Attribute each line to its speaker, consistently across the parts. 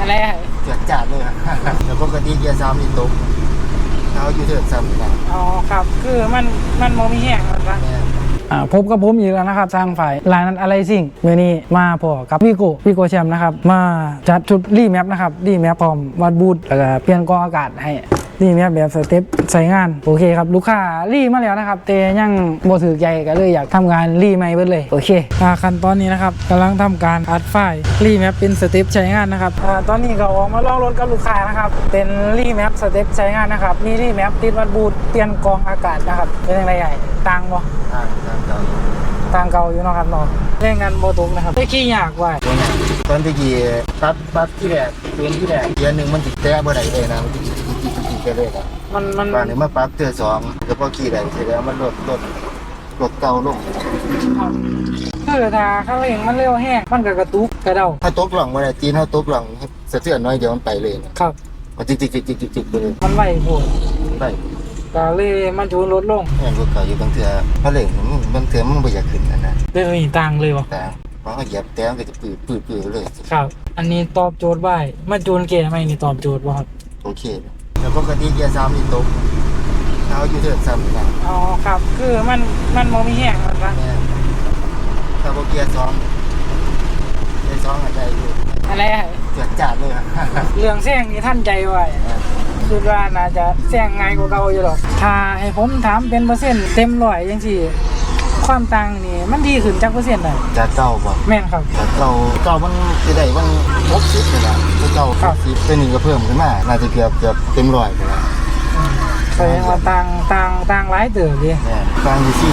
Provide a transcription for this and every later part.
Speaker 1: อะไร
Speaker 2: เกิดจัดเลยแล้วปกติเกียร์ซ้ำนี่ตกเขาอยู่เถิดซ้ำนะ
Speaker 1: อ๋อครับคือมันโมมีแห้งมันปะพบกับผมอีกแล้วนะครับทางฝ่ายลายนั้นอะไรสิ่งเมื่อนี้มาพอกับพี่โกแชมป์นะครับมาจัดชุดรีแมปนะครับรีแมปพร้อมวัดบูทแล้วก็เปลี่ยนกองอากาศให้รีแมปแบบสเต็ปใส่งานโอเคครับลูกค้ารีมาแล้วนะครับแต่ยังโมถือใจกันเลยอยากทำงานรีใหม่เบิดเลยโอเคขั้นตอนนี้นะครับกำลังทำการอัดไฟล์รีแมปเป็นสเต็ปใช้งานนะครับตอนนี้ก็ออกมาลองรถกับลูกค้านะครับเป็นรีแมปสเต็ปใช้งานนะครับมีรีแมปติดวัดบูทเปลี่ยนกองอากาศนะครับเป็นยังไงใหญ่ต่างบ่ต่างเก่าอยู่เนาะครับเนาะเรื่องงานโมตุกนะครับได้ขี้ยากว่ะ
Speaker 2: ตอนที่กี่ตัดที่แรกเป็นที่แรกเกียร์หนึ่งมันติดแต้บ่ได้เลยนะมันติดเลยนะมันบ้านนี้มาปรับเตือสองแล้วพอขี่ได้เสร็จแล้วมันลดเก่าลง
Speaker 1: คือถ้าข้างเร่งมันเร็วแห้งมันก็กระตุกกระเดา
Speaker 2: ถ้าตกหลังเวลาจีนถ้าตกหลังสะเทือนน้อยเดียวมันไปเลย
Speaker 1: ครับ
Speaker 2: มันจิกไปเลย
Speaker 1: มันไหวโผล่
Speaker 2: ไป
Speaker 1: ก็เลยมันจูนลดลง
Speaker 2: แอนรถเก่าอยู่บางเถื่อพระเหล่งบางเถื่อมันไม่อยากขึ้นนะ
Speaker 1: เรื่องนี้ต่างเลยวะ
Speaker 2: แต่เพราะเขาเหยียบแต้มก็จะปืดเลย
Speaker 1: ครับอันนี้ตอบโจทย์ไว้มาจูนเกียร์ไหมนี่ตอบโจทย์ป่ะครับ
Speaker 2: โอเคแล้วปกติเกียร์ซ้ำนี่ตกเขาอยู่เถิดซ้ำนะ
Speaker 1: อ๋อครับคือมันโมมีแห้งมันปะ
Speaker 2: ถ้าเกียร์ซ้อมอะไรอยู่
Speaker 1: อะไร
Speaker 2: เกิดจัดเลย
Speaker 1: เรื่องแซงนี่ท่านใจไว้คือว่าน่าจะแซงง่ายกว่าเก่าอยู่หรอกถ้าให้ผมถามเป็นเปอร์เซ็นต์เต็มร้อยยังสิความต่างนี่มันดีขึ้นจากเปอร์เซ็นต์ไหน
Speaker 2: จากเก่าป่ะ
Speaker 1: แม่นครับ
Speaker 2: จากเก่ามันจะได้มัน60เลยนะเก่า60เป็นหนึ่งก็เพิ่มขึ้นมาน่าจะเกือบเต็มร้อยเลย
Speaker 1: แสดงว่าต่างหลายเติบดิ
Speaker 2: ต่างอยู่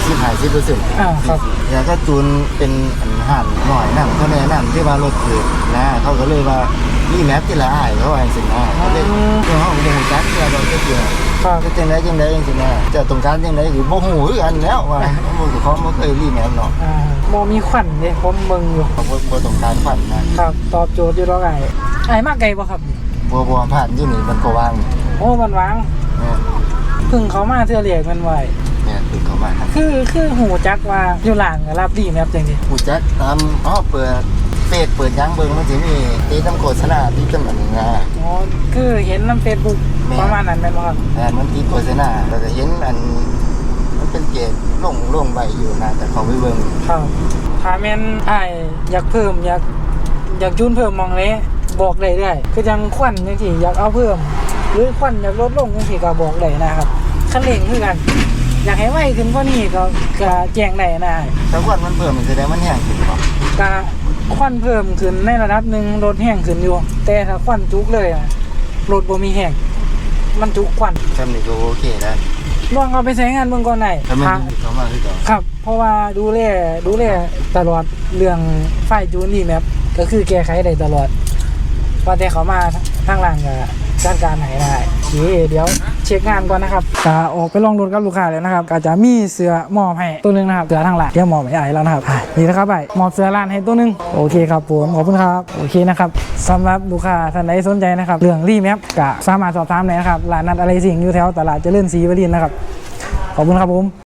Speaker 2: 40-50%
Speaker 1: ครับ
Speaker 2: แล้วก็จูนเป็นห่านหน่อยนั่งเขาแนะนำที่ว่ารถเกิดนะเขาก็เลยว่ารีแมปที่ละอายเขาว่าอย่างสินะเขาเลยเขาบอกว่าจักรเราจะเกี่ยวก็จังไรอย่างสินะจะตรงการจังไรคือโมโหอันแล้วว่าโมเขาไม่เคยรีแมปเนาะ
Speaker 1: โมมีขวัญเลยผมมึงอยู่
Speaker 2: เขาโมตรงการขวัญ
Speaker 1: นะครับตอบโจทย์อยู่แล้วไงมากไกลป่ะครับ
Speaker 2: บัวผ่านที่นี่มันก็วาง
Speaker 1: โอ้มันวางพึ่งเขามาเทื่อเรียกมันไว้
Speaker 2: เนี่ยพึ่งเขามา
Speaker 1: คือหูจักว่าอยู่หลังรับดีแมปจริง
Speaker 2: หูจักตามเปิดยังเบิ้งมันจะมีตีน้ำโฆษณาที่จำนวนงา
Speaker 1: อ๋อคือเห็นน้ำเฟซบุ๊กประมาณนั้นเป็นไหมครับ
Speaker 2: มันตีโฆษณาเราจะเห็นมันเป็นเกจลงใบอยู่นะแต่เขาไม่เบิ้ง
Speaker 1: ครับถ้าแม่นอยากเพิ่มอยากจูนเพิ่มมองเลยบอกได้คือจังควันจังที่อยากเอาเพิ่มหรือควันอยากลดลงจังที่ก็บอกได้นะครับคันเร่งคือกันอยากให้ไวขึ้นกว่านี้ก็แจ้งได้นะ
Speaker 2: ถ้าควันมันเพิ่มมันแสดงมันแห้งขึ้นป่ะ
Speaker 1: ก็ควันเพิ่มขึ้นในระดับหนึ่งรถแห้งขึ้นอยู่แต่ถ้าควันจุกเลยรถบ่มีแห้งมันจุกควัน
Speaker 2: ทำนี่ก็โอเคได้
Speaker 1: ลองเอาไปใช้งานเบื้องก่อนไหนครับเพราะว่าดูแลตลอดเรื่องไฟจูนนี่แมปก็คือแก้ไขได้ตลอดว่าแต่เขามาทางหลังก็จัดการไหนได้เดี๋ยวเช็คงานก่อนนะครับก็ออกไปลองรถกับลูกค้าแล้วนะครับก็จะมีเสื้อมอบให้ตัวนึงนะครับเสื้อทางหลังเดี๋ยวมอบให้ไอ้แล้วนะครับนี่นะครับไอ้มอบเสื้อร้านให้ตัวนึงโอเคครับผมขอบคุณครับโอเคนะครับสำหรับลูกค้าท่านใดสนใจนะครับเรื่องรีแมปก็สามารถสอบถามได้นะครับร้านนัดอะไรสิ่งอยู่แถวตลาดเจริญศรีวรินทร์นะครับขอบคุณครับผม